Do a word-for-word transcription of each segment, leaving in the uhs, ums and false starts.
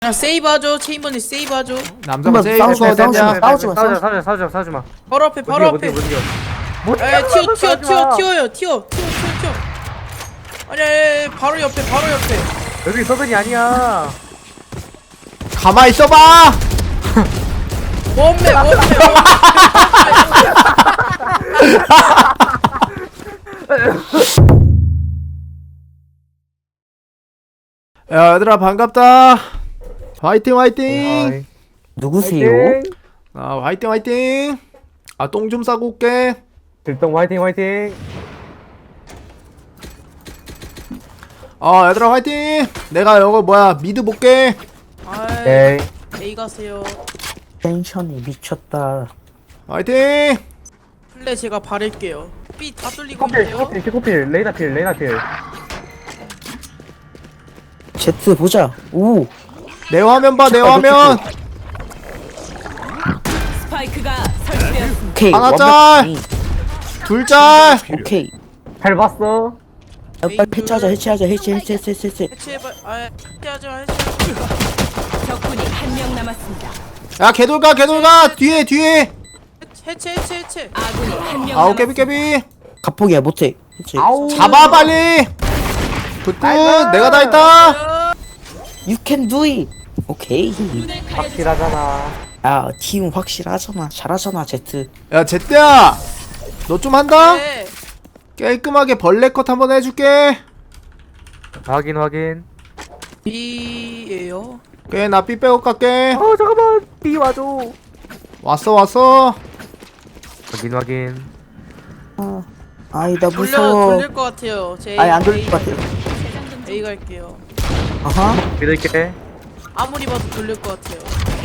야 세이브하죠. 체인버니 세이브하죠. 남자가 세이브 싸우지 마, 거 싸우지 마, 됐냐? 싸우지 마, 싸우지 마, 싸우지 마, 싸우지 마, 싸우지 마. 바로 앞에 바로 못 앞에. 이겨, 못 이겨, 못 이겨. 에 튀어 튀어 싸우지 튀어 마. 튀어요 튀어 튀어 튀어 튀어. 아니 아니 바로 옆에 바로 옆에. 여기 서든이 아니야. 가만 있어봐. 원매 원매. 야 얘들아 반갑다. 화이팅 화이팅. 어이. 누구세요? 화이팅. 아 화이팅 화이팅. 아 똥 좀 싸고 올게. 들동 화이팅, 화이팅. 어 얘들아 화이팅. 내가 이거 뭐야 미드 볼게. 아이 에이. A 가세요. 텐션이 미쳤다. 화이팅. 플레 제가 바를게요. B 다 뚫리고 코필, 있는데요. 코필, 코필, 레이나 필, 레이나 필. 제트 보자. 오. 내 화면 봐 내 화면. 스파이크가 설치되었습니다. 오케이. 하나 완벽- 둘 짤. 오케이. 잘 봤어. 야, 빨리 해체하자. 해체하자. 해체 해체 해체 해체. 해체. 해체해봐. 아 해체하지 마 해체. 적군이 한 명 남았습니다. 야 개돌가 개돌가 뒤에 뒤에. 해체 해체 해체. 아군이 한 명 아우 남았습니다. 깨비 깨비. 갑폭이야 못해. 해체. 아우. 잡아 빨리. 굿굿 내가 다 했다. You can do it. 오케이. 확실하잖아. 야, 팀 확실하잖아. 잘하잖아, 제트. 야 제때야. 너 좀 한다. 네. 깔끔하게 벌레 컷 한번 해줄게. 확인, 확인. B예요. 오케이 나 삐 빼고 갈게. 어, 잠깐만. B 와줘. 왔어 왔어. 확인, 확인. 아, 아이 나 돌려 무서워. 돌릴 것 같아요. 제 아니 안 돌릴 것 같아. A 갈게요. 아하. 믿을게. 아무리 봐도 돌릴 것 같아요.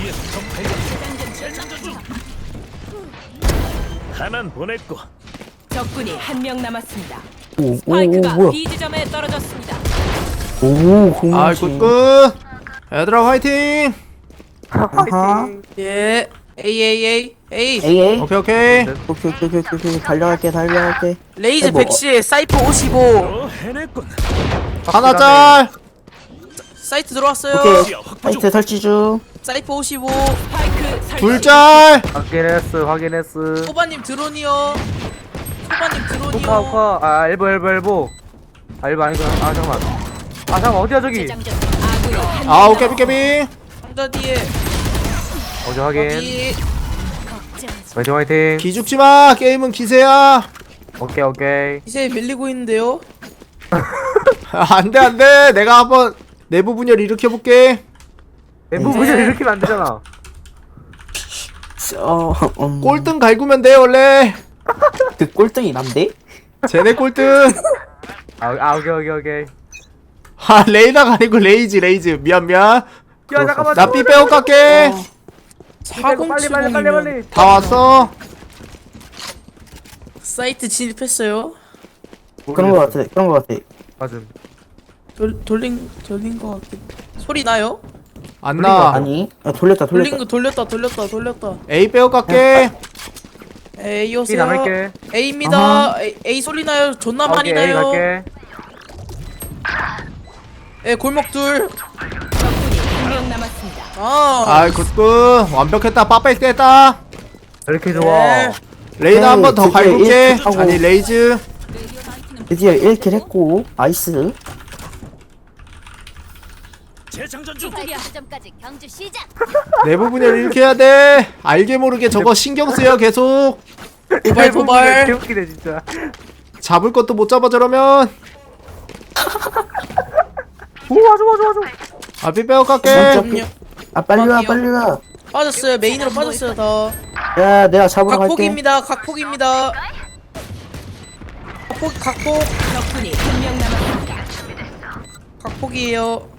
하나는 보냈고 적군이 한 명 남았습니다. 오, 오, 오, 스파이크가 뭐야? B 지점에 떨어졌습니다. 오, 아 공룡지. 굿굿. 얘들아 화이팅. 아하. 예. A A A A. 에이, 에이. 오케이 오케이. 오케이, 오케이, 오케이, 오케이, 오케이. 달려갈게, 달려갈게. 레이즈 뭐, 백시 사이퍼 오십오. 또 해냈군. 하나 짤. 사이트 들어왔어요. 오케이. 사이트 설치 중. 사이퍼 오십오. 스파이크 설치. 둘 짤. 확인했어, 확인했어. 소바님 드론이요. 소바님 오카, 드론이요. 오카. 아, 엘보, 엘보, 엘보. 아, 엘보 아니구나. 아, 잠깐만. 아, 잠깐만. 어디야, 저기? 아군이 한 아우 명 깨비 깨비. 상자 뒤에. 어디 확인. 여기. 화이팅, 화이팅. 기죽지 마. 게임은 기세야. 오케이, 오케이. 이제 밀리고 있는데요. 안돼 안돼. 내가 한번 내부 분열 일으켜 볼게. 내부 네. 분열 이렇게 안 되잖아. 어, 음. 꼴등 갈구면 돼 원래. 그 꼴등이 난데? 쟤네 꼴등. 아, 아, 오케이, 오케이, 오케이. 아 레이나가 아니고 레이지 레이즈. 미안 미안. 야, 잠깐만. 나 삐 빼고 갈게. 빨리, 빨리, 빨리, 빨리, 사공칠공이면 빨리. 다 왔어. 사이트 진입했어요. 그런 거 같아, 그런 거 같아. 맞음. 돌, 돌린 돌린 것 같긴. 소리 나요? 안 나. 아니, 아, 돌렸다, 돌린 돌렸다. 거 돌렸다 돌렸다 돌렸다. A 빼고 갈게. A B 오세요. 남을게. A입니다. 아하. A, A 소리 나요. 존나 많이 오케이, A 나요. 갈게. 예, 골목 둘. 적군이 한 명 남았습니다. 아. 아이 굿굿. 완벽했다. 빠빠이 떼다. 이렇게 좋아. 네. 레이나 한 번 더 드디어 갈굴게. 일 킬 하고. 아니 레이즈. 드디어 일 킬 했고, 아이스. 재장전 중. 스파이크 지점까지 경주 시작. 내부 분열 일으켜야 돼. 알게 모르게 저거 신경 쓰여 계속. 도발 도발. 개웃기네, 진짜. 잡을 것도 못 잡아 저러면. 오, 와줘, 와줘, 와줘. 아 삐 빼고 갈게. 잠깐만요. 아, 빨리 와, 빨리 와. 빠졌어요. 메인으로 빠졌어요. 더. 야, 내가 잡으러 갈게. 각폭입니다. 각폭입니다. 각폭 각폭 적군이 한 명 남았습니다. 각폭이에요.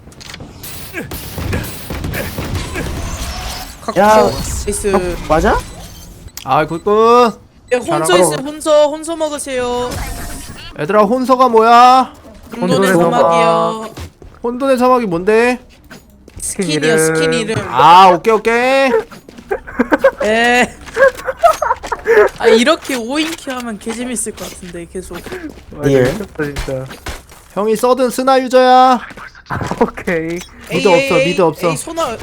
각폭. 야. 나이스. 맞아? 아 굿굿. 예, 혼서 잘하고. 있어요. 혼서 혼서 먹으세요. 얘들아 혼서가 뭐야? 혼돈의 혼돈의 사막이요. 혼돈의 사막이 뭔데? 스킨이요. 이름. 스킨 이름. 아 오케이 오케이. 에. 아 이렇게 오인큐 하면 개 재밌을 것 같은데 계속. 와, 예. 미쳤다, 진짜. 형이 써든 스나 유저야. 오케이. 미드 없어, 미드 없어. 에이 소나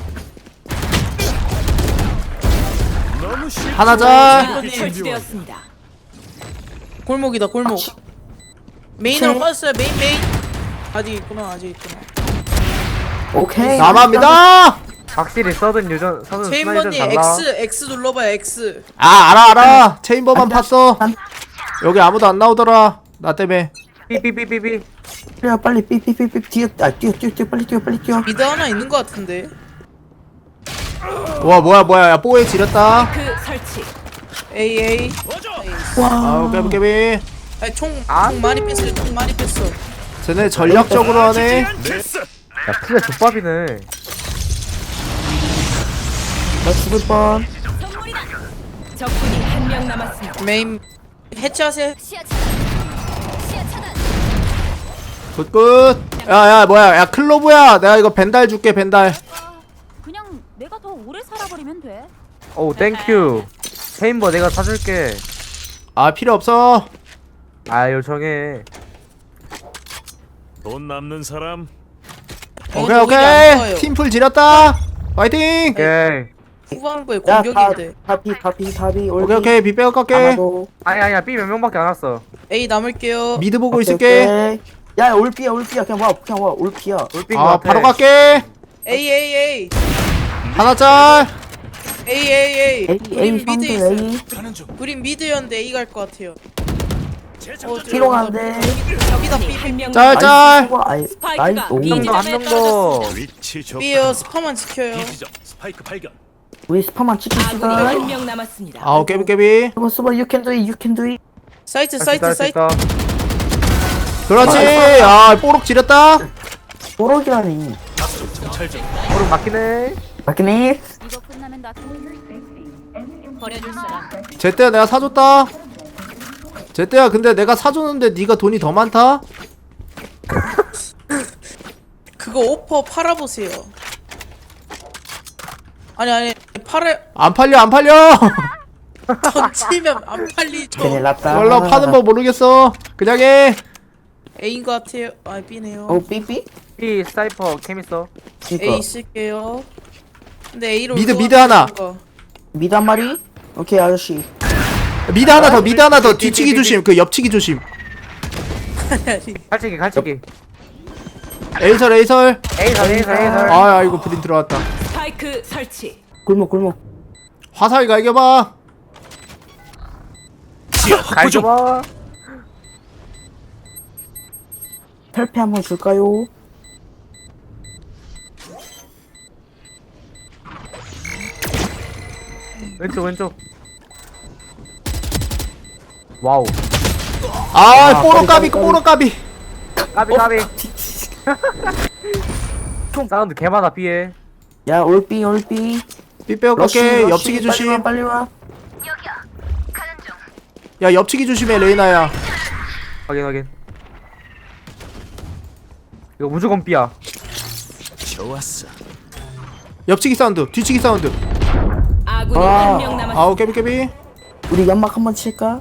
너무 쉽. 하나 자. 아군이 설치되었습니다. 골목이다 골목. 메인으로 빠졌어요 메인 메인. 아직 있구나 아직 있구나. 오케이. 남아입니다. 확실히 서든 유전 서든 스나이든 체인버님 달라. X X 눌러봐요 X. 아 알아 알아. 체인버만 안 돼. 팠어. 안- 여기 아무도 안 나오더라. 나 때문에. 삐삐삐삐삐. 빨리 빨리 삐삐삐삐 뛰어. 아 뛰어 뛰어 뛰어 빨리 뛰어 빨리 뛰어. 미드 하나 있는 것 같은데. 와 뭐야 뭐야 야 뽀에 지렸다. 그 설치. 에이 에이. 아우 깨비 깨비. 아니 총, 아. 총 많이 뺐어요 총 많이 뺐어. 쟤네 전략적으로 하네. 됐어. 야 플레 족밥이네. 나 죽을 뻔. 적군이 한 명 남았습니다. 메인 해체하세요. 시야 차단. 시야 차단. 굿굿. 야야 뭐야 야 클로브야. 내가 이거 벤달 줄게 벤달. 그냥 내가 더 오래 살아버리면 돼. 오 땡큐. 체인버 내가 사줄게. 아 필요 없어. 아 요청해. 돈 남는 사람. 오케이 오히려 안 오케이. 좋아요. 팀풀 지렸다. 파이팅. 오케이. 후반부에 야 공격인데. 다비 다비 다비 오케이 오케이 비 빼고 갈게. 아마도. 아니 아니야 B 몇 명밖에 안 왔어. A 남을게요. 미드 보고 오케이, 있을게. 오케이. 야 올피야 올피야 그냥 와 그냥 와 올피야. 올핀 거 아 같아. 바로 갈게. A A A 하나 짤. A A A. A 우린 A 미드 상대 있어. A. 가는 중. 우린 미드였는데 A 갈 것 같아요. 재장전 중. 피롱한데. 여기다 적군이 B 한 명 짤 짤. 아이 스파이크가 나이 B 너무 지점에 한명 더. 떨어졌습니다. 위치 좋. B요 스파만 지켜요. 비지점 스파이크 발견. 우리 스파만 아군이 치킨시다. 한 명 남았습니다. 아우 깨비 깨비. 수바 수바 you can do it you can do it. 사이트 할수 있다, 사이트 할수 사이트. 있다. 그렇지. 아 뽀록 지렸다. 뽀록이라니. 정찰 중. 오른 막히네. 맞겠네. 이거 끝나면 나 버려줄 사람. 제때야 내가 사줬다. 제때야 근데 내가 사줬는데 네가 돈이 더 많다. 그거 오퍼 팔아보세요. 아니 아니 팔아 안 팔려 안 팔려. 던지면 안 팔리죠. 큰일 났다. 몰라 파는 법 모르겠어. 그냥 해. A인 것 같아요. 아 B네요. 어 삐삐? B 사이퍼 캠 있어. 그니까 A 쓸게요. 근데 A로 미드, 미드 하나. 미드 한 마리? 오케이 아저씨. 미드 하나 더 미드 하나 더 뒤치기 조심. 그 옆치기 조심. 갈치기 갈치기. 에이설 에이설. A설 A설 A설. 아 이거 브린 들어왔다. 스파이크 설치. 골목 골목. 화살 갈겨봐. 지하 확보 중. 갈겨봐. 혈패 한번 줄까요? 왼쪽 왼쪽. 와우. 아 뽀록 까비, 까비 까비, 뽀록 까비. 까비 까비. 사운드 개 많아 B에. 야 올삐 올삐. 삐 빼고 러쉬 갈게. 러쉬 옆치기 빨리 와 조심. 빨리 와. 야 옆치기 조심해 레이나야. 확인 확인. 이거 무조건 B야. 좋았어. 옆치기 사운드. 뒤치기 사운드. 아군이 아. 한 명 남았습니다. 아우 깨비 깨비. 우리 연막 한번 칠까?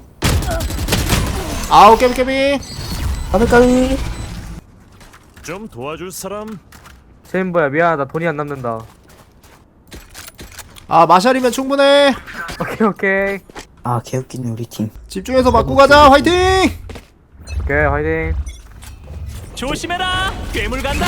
아우 깨비 깨비. 가볼까위? 좀 도와줄 사람. 체인버야 미안하다 돈이 안 남는다. 아 마샬이면 충분해. 오케이 오케이. 아 개웃기네 우리 팀. 집중해서 맞고 가자. 화이팅. 오케이 화이팅. 조심해라. 괴물 간다.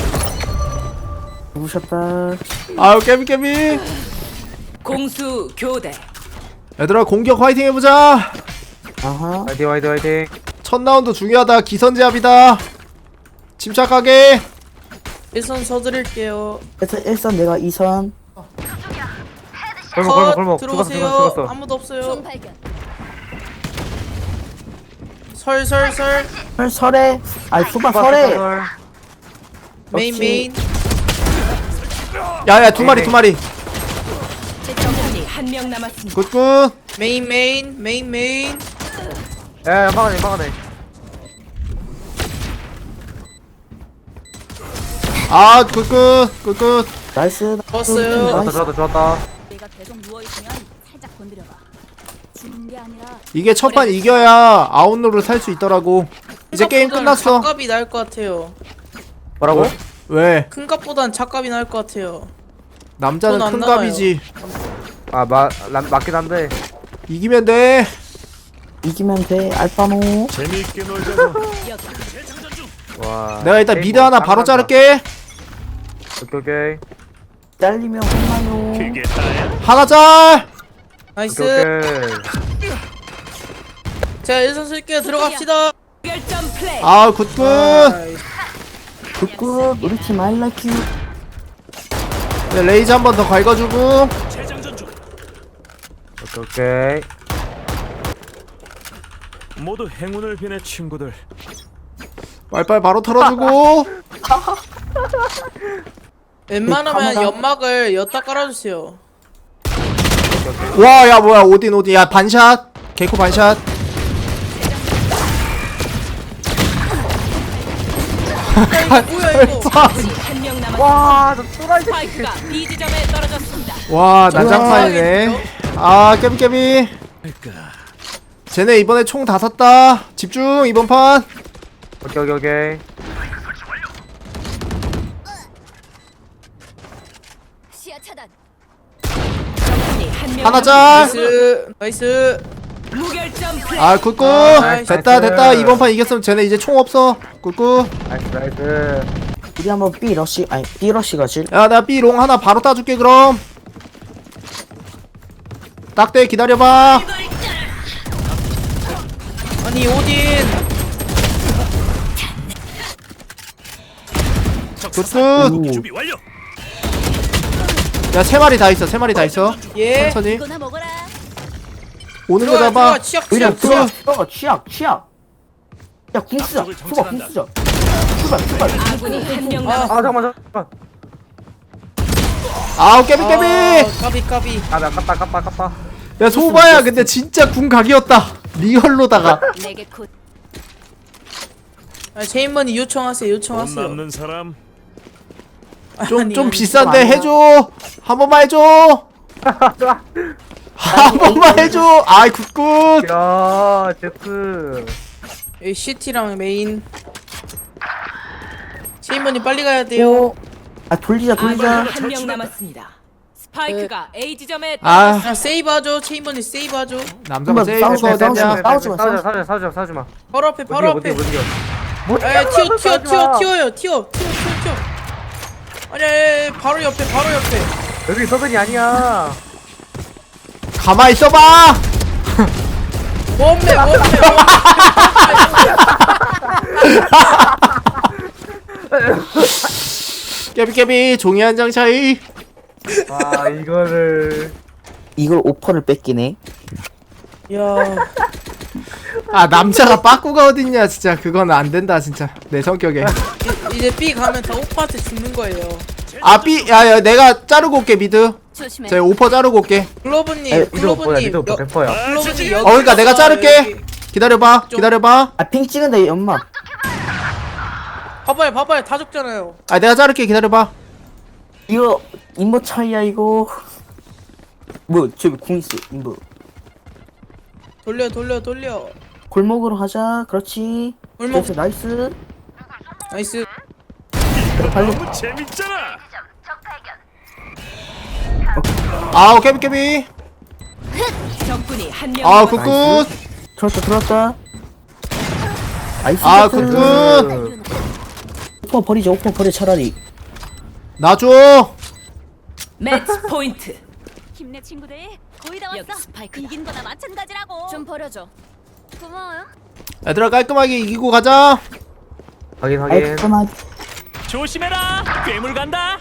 누구셨다. 아우 깨비 깨비. 공수 교대. 얘들아 공격 화이팅 해보자. 아하. 화이팅 화이팅 화이팅. 첫 라운드 중요하다. 기선제압이다. 침착하게. 일선 서드릴게요. 그래서 일선 내가 이선. 골목 골목 골목. 죽었어 들어오세요. 죽었어 죽었어. 아무도 없어요. 총 발견. 설 설 설. 설 설에. 아니 수바 설에. 메인 메인. 야야 두 마리 두 마리. 적군이 한 명 남았습니다. 굿굿. 메인 메인 메인 메인. 야 막아내 막아내. 아 굿굿 굿굿. 나이스. 좋았어요. 좋았다 좋았다 좋았다. 내가 계속 누워 있으면 살짝 건드려봐. 죽는 게 아니라 이게 첫 판 이겨야 아웃로를 살 수 있더라고. 이제 게임 끝났어. 값이 나을 것 같아요. 뭐라고? 왜? 큰 값보단 작값이 나을 것 같아요. 남자는 돈안 큰 나와요. 값이지. 아, 마, 람, 맞긴 한데. 이기면 돼. 이기면 돼 알바노. 재미있게 놀자고. 와. 내가 일단 게임 미드 뭐 하나 딱 바로 난다. 자를게. 오케이, 오케이. 잘리면 혼나요. 그게 다야. 하나 짤. 나이스. 오케이, 오케이. 자, 일선 쓸게요. 들어갑시다. 결점 플레이. 아 굿굿. 아이씨. 굿굿 우리 팀 I like you. 네, 레이즈 한 번 더 갉아주고. 재장전 중. 오케이, 오케이. 모두 행운을 비네 친구들. 빨빨 바로 털어주고. 웬만하면 카메라. 연막을 엿다 깔아주세요. 와 야 뭐야 오딘 오딘. 야 반샷. 개코 반샷. 뭐야 이거? 한명 남았습니다. 와, 저 또라이 새끼. 스파이크가 B 지점에 떨어졌습니다. 와 난장판이네. 아 깨비깨비. 쟤네 이번에 총 다 샀다. 집중 이번 판. 오케이, 오케이, 오케이. 시야 차단. 적군이 한명 하나 짤. 나이스. 나이스. 무결점 플레이. 아 굿굿. 나이스. 됐다 됐다. 이번 판 이겼으면 쟤네 이제 총 없어. 굿굿. 나이스, 나이스. 우리 한번 B 러시 아니 B 러시 가실. 야 나 B롱 하나 바로 따줄게 그럼. 딱대 기다려봐. 아니 오딘. 굿굿. 준비 완료. 야 세 마리 다 있어 세 마리 다 있어. 예. 천천히 이거나 먹어라. 오는 거 들어가 잡아. 들어가 치약 그냥 치약 치약. 들어가 들어가 취약 취약. 야궁 쓰자. 앞쪽을 수박 궁 정찰한다. 쓰자. 출발 출발. 아군이 한명 아, 아, 남았습니다. 잠깐만, 잠깐만. 아우 깨비 깨비. 아, 까비 까비. 아, 나 깝다, 깝다, 깝다. 야 소바야 근데 진짜 궁 각이었다. 리얼로다가. 내게 곧 아, 제인머니 요청하세요. 돈 요청하세요. 남는 사람. 좀 아니, 좀 아니, 비싼데 아니야. 해줘. 한 번만 해줘. 한 번만 해줘. 아이 굿굿. 야, 제트. 여기 시티랑 메인. 제인머니 빨리 가야 돼요. 오. 아 돌리자 아군이 돌리자. 한명 남았습니다. 스파이크가 A 지점에 아 아 세이브하죠. 체인머니 세이브하죠. 남자가 한번 세이브 싸우지 마, 거야 싸우지 마. 되냐. 싸우지 마, 싸우지 마, 싸우지 마, 싸우지 마, 싸우지 마. 바로 앞에 바로 못 앞에. 이겨, 못 이겨, 못 이겨. 에 튀어 튀어 튀어 튀어요 튀어 튀어 튀어 튀어. 아니 아니, 아니 바로 옆에 바로 옆에. 여기 서든이 아니야. 가만 있어봐. 원매 원매. 깨비 깨비 종이 한 장 차이. 아, 이거를. 이걸 오퍼를 뺏기네. 야 아 남자가 빠꾸가 어딨냐 진짜. 그건 안 된다 진짜 내 성격에. 이- 이제 B 가면 다 오빠한테 죽는 거예요. 아 B 야야 내가 자르고 올게 미드. 조심해. 제 오퍼 자르고 올게. 글로브님 미드 오퍼야, 글로브님 미드 오퍼 여- 백 퍼센트야. 글로브님 여기. 어 그러니까 내가 자를게. 기다려봐 기다려봐. 아 핑 찍은데 연막. 봐봐요 봐봐요 다 죽잖아요. 아 내가 자를게 기다려봐. 이거 인버 차이야 이거. 뭐 저기 궁 있어 인버. 돌려 돌려 돌려. 골목으로 가자. 그렇지. 골목. 그래서 나이스. 나이스. 너무 재밌잖아. 아우 깨비 깨비. 적군이 한명 아 남았습니다. 굿굿. 들어왔다 들어왔다. 나이스. 아 세트. 굿굿. 오퍼 버리자 오퍼 버려 차라리. 놔줘. 매치 포인트. 힘내 친구들. 거의 다 여기 왔어. 스파이크다. 이긴 거나 마찬가지라고. 좀 버려줘. 고마워요. 얘들아 깔끔하게 이기고 가자. 확인, 아이 확인. 잠깐만. 조심해라. 괴물 간다.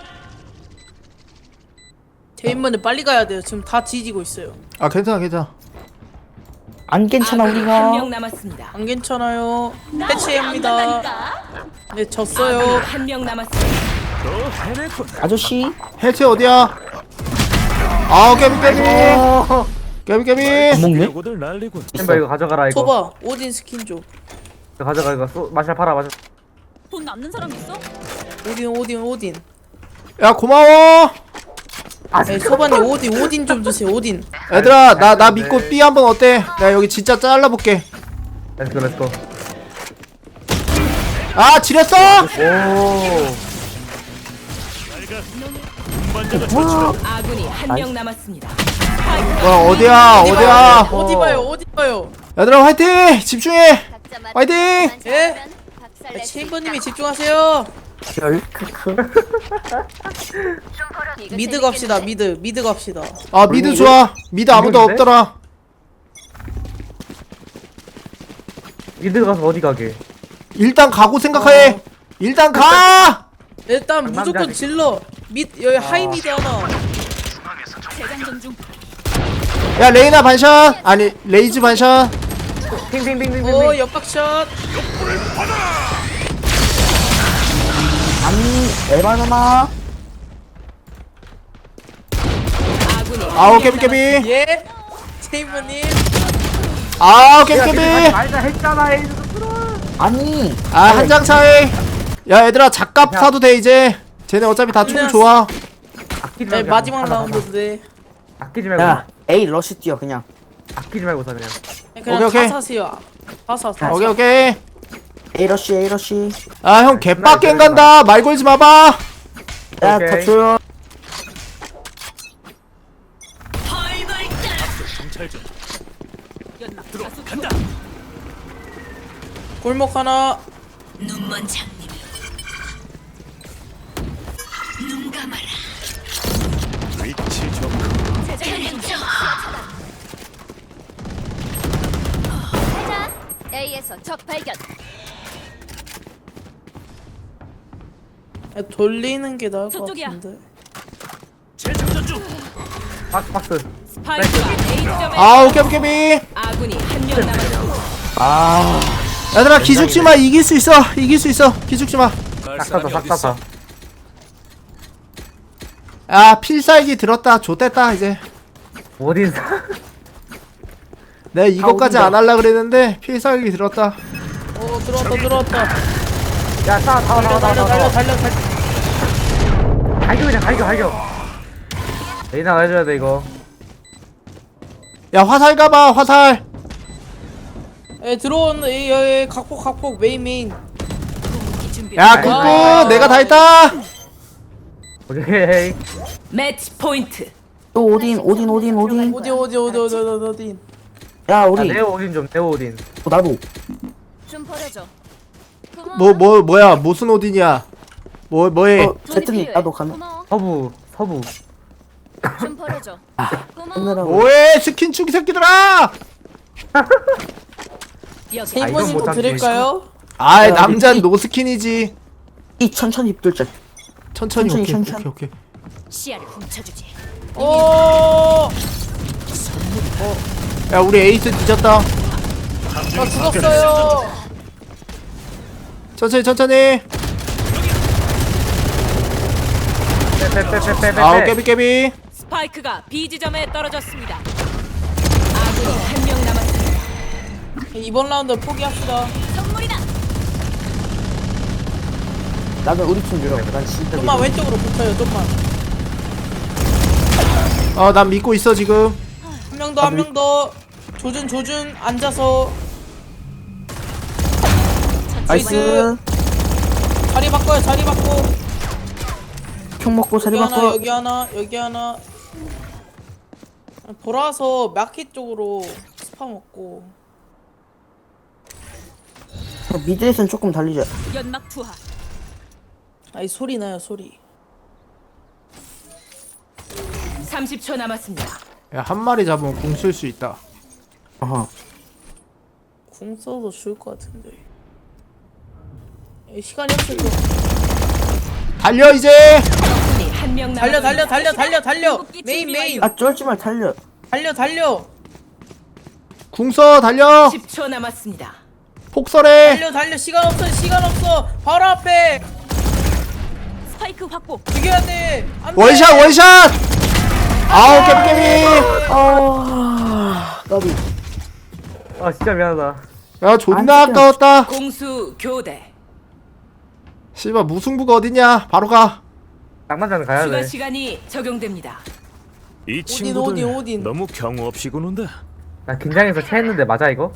제인머니 빨리 가야 돼요. 지금 다 뒤지고 있어요. 아 괜찮아 괜찮아. 안 괜찮아 아군이 우리가. 한명 남았습니다. 안 괜찮아요. 해체합니다. 간다니까. 네 졌어요. 한명 남았습니다. 또 해냈군. 아저씨. 해체 어디야? 아우 깨비 깨비. 깨비 깨비. 먹네? 요거들 날리군. 햄버 이거 가져가라, 이거. 소바 오딘 스킨 줘. 이거 가져가, 이거. 소, 마샬 팔아, 마샬. 돈 남는 사람 있어? 오딘 오딘 오딘. 야 고마워. 네, 소바님 오딘 오딘 좀 주세요. 오딘. 얘들아 나 나 믿고 B 한번 어때? 내가 여기 진짜 잘라볼게. 렛츠고, 렛츠고. 아 지렸어? 오. 아군이 한 명 남았습니다. 뭐야 어디야 어디 어디야 봐요? 어디 봐요? 어디 봐요? 얘들아 화이팅 집중해 각자 맡은 화이팅! 것만 예? 잘하면 박살 아, 낼수 체인버님이 있다. 집중하세요. 열 크크. 이거 미드 갑시다. 재밌겠는데? 미드 미드 갑시다. 아 미드 좋아 미드 아무도 이건데? 없더라 미드 가서 어디 가게? 일단 가고 생각해 어. 일단 가 일단 남자 무조건 새끼. 질러. 미 여기 하이 미드 하나. 재장전 중. 야 레이나 반샷 아니 레이즈 반샷 핑핑핑핑핑. 오 옆박샷. 아니 에바나나. 아군이 아우 한명 깨비 깨비 예? 체인버님. 아우 깨비 야, 깨비 말자 했잖아. 에이. 아니. 아 한 장 차이 야 얘들아 작갑 사도 돼 이제 쟤네 어차피 다 총 좋아 아끼지 네, 말고. 마지막 가자, 가자. 라운드인데. 아끼지 말고. 야 에이 러쉬 뛰어 그냥. 아끼지 말고 사 그냥. 그냥 오케이, 오케이. 다 사세요. 다 사. 다 오케이 사. 오케이 에이 러쉬 에이 러쉬. 아 형 개빡갱 간다 말 걸지 마봐 야 오케이. 더 줘요. 정찰 좀. 들어 간다. 골목 하나. 눈먼 장님. 눈 감아라. 위치 좀. 하나. A에서 적 발견. 야, 돌리는 게 나을 것 저쪽이야. 같은데. 재장전 중. 박스 박스. 스파이크가 A 지점에 아우 깨비 깨비 아군이 한 명 남았습니다. 아. 얘들아 기죽지마 이길 수 있어 이길 수 있어 기죽지마 싹 사서 싹 사서. 야 필살기 들었다 좆됐다 이제 어딘 사? 내가 이거까지 안 할라 그랬는데 필살기 들었다 오 들어왔다 들어왔다. 야, 싸, 싸, 달려 싸, 달려 싸, 달려 싸. 달려 달려. 갈겨 그냥 갈겨 갈겨. 레이나 해줘야 돼 이거. 야 화살 가봐 화살 에 들어온 이 여기 각폭 각폭 메인 메인. 야 아이고. 꾹꾹 내가 다 했다 오케이. 매치 포인트. 또 오딘 오딘 오딘 오딘. 어디 어디 어디 어디 어디 어디. 야 야, 우리. 네오 오딘 좀 네오 오딘. 어, 나도. 좀 버려줘. 고마워. 뭐 뭐 뭐야 무슨 오딘이야 뭐 뭐해 어 제트님 나도 가능. 고마워. 서부 서부. 좀 버려줘. 고마워. 힘내라고. 뭐해 스킨 축이 새끼들아 여기 아, 체인버님 이건 거 못 드릴까요? 아이 야, 남잔 이- 노스킨이지 이 천천히 뚫자. 천천히 천천히, 오케이 천천히. 오케이 오케이 시야를 훔쳐주지. 오. 야 우리 에이스 뒤졌다 나 죽었어요. 천천히 천천히 빼빼빼빼빼. 아우 깨비 깨비 스파이크가 B 지점에 떨어졌습니다. 아군이 한 명 남았습니다. 이번 라운드 포기합시다. 선물이다. 나는 우리 팀 밀어. 난 진짜 좀만 밀어. 왼쪽으로 붙어요. 좀만. 어난 믿고 있어 지금 한 명 더 한 명 더. 조준 조준 앉아서 나이스. 자리 바꿔요. 자리 바꿔. 총 먹고 자리 여기 하나 바꿔. 여기 하나 여기 하나. 돌아서 마켓 쪽으로 스파 먹고. 어, 미드에선 조금 달리자. 연막 투하. 아이 소리 나요 소리. 삼십 초 남았습니다. 야 한 마리 잡으면 공 쓸 수 있다 어허. 궁 써도 좋을 것 같은데. 에이, 시간이 없을 거. 달려 이제 적군이 한 명 달려 남았습니다. 달려 달려 달려 달려. 메인 메인. 아 쫄지 말 달려. 달려 달려. 궁서 달려 십 초 남았습니다. 폭설해 달려 달려. 시간 없어 시간 없어. 바로 앞에. 스파이크 확보. 이겨야 돼. 안 돼. 원샷 원샷 아우 깨비 깨비 아 나비. 아 진짜 미안하다. 야 존나 아까웠다 공수 교대. 씨발 무승부가 어딨냐 바로 가 낭만자는 가야 추가 돼. 시간이 적용됩니다. 이 친구들 오딘, 오딘. 너무 경우 없이 구는다. 나 긴장해서 체했는데 맞아 이거?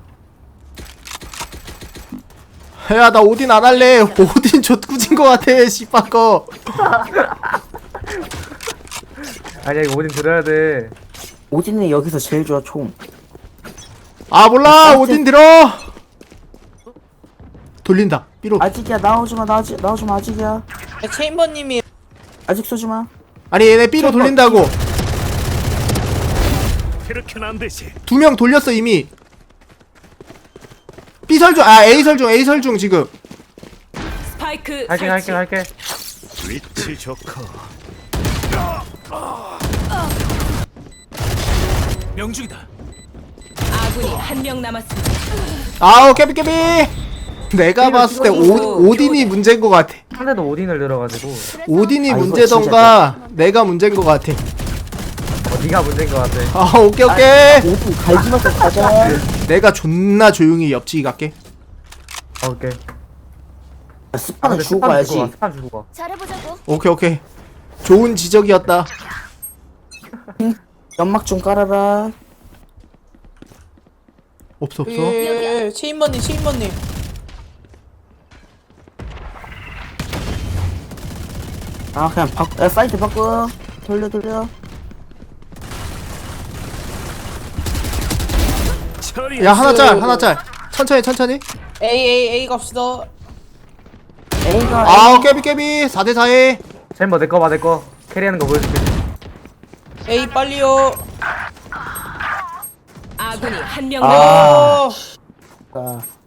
야 나 오딘 안 할래 오딘 좆구진 거 같아 씨발 거 아니야 이거 오딘 들어야 돼. 오딘은 여기서 제일 좋아 총. 아 몰라 오딘 들어. 돌린다 삐로. 아직이야 나오지마 나오지 나오지마 아직이야. 야, 체인버님이 아직 쏘지마. 아니 얘네 삐로 돌린다고. 그렇게는 안 되지. 두 명 돌렸어 이미. B 설중 아 A 설중 A 설중 지금. 스파이크 할게 할게 설치. 할게. 위치 좋고. 명중이다. 아군이 한 명 남았습니다. 아우 깨비 깨비. 내가 봤을 때 오, 오딘이 문제인 것 같아. 상대도 오딘을 들어가지고. 오딘이 아, 이거 문제던가 내가 문제인 것 같아. 어 네가 문제인 것 같아. 아 오케이 오케이. 오딘 갈지마서 가자. 내가 존나 조용히 옆치기 갈게. 아, 오케이. 아, 스파는 근데 주고 스판 가야지. 주고 가. 스판 주고 가. 잘해보자고. 오케이 오케이. 좋은 지적이었다. 연막 좀 깔아라. 없어 없어. 예, 체인버님 체인버님. 아 그냥 바꿔. 야 사이트 바꿔. 돌려 돌려. 처리. 야 하나 짤 하나 짤. 천천히 천천히. A A A 갑시다. A가 아우 깨비 깨비. 사 대 사에. 챔버 내거 봐 내거. 캐리하는 거 보여줄게. A 빨리요. 아군이 한 명 아. 남았습니다. 어. A.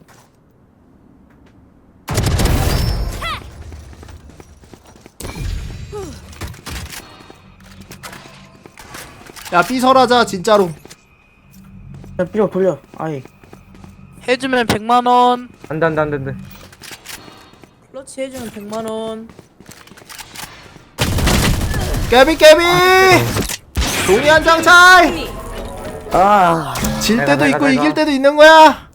야 B 설하자 진짜로. 야 삐로 돌려. 아이. 해주면 백만 원. 안돼 안돼 안돼 안돼. 클러치 해주면 백만 원. 깨비 깨비. 종이 한 장 차이. 아. 질 내가, 때도 내가, 있고 내가. 이길 때도 있는 거야.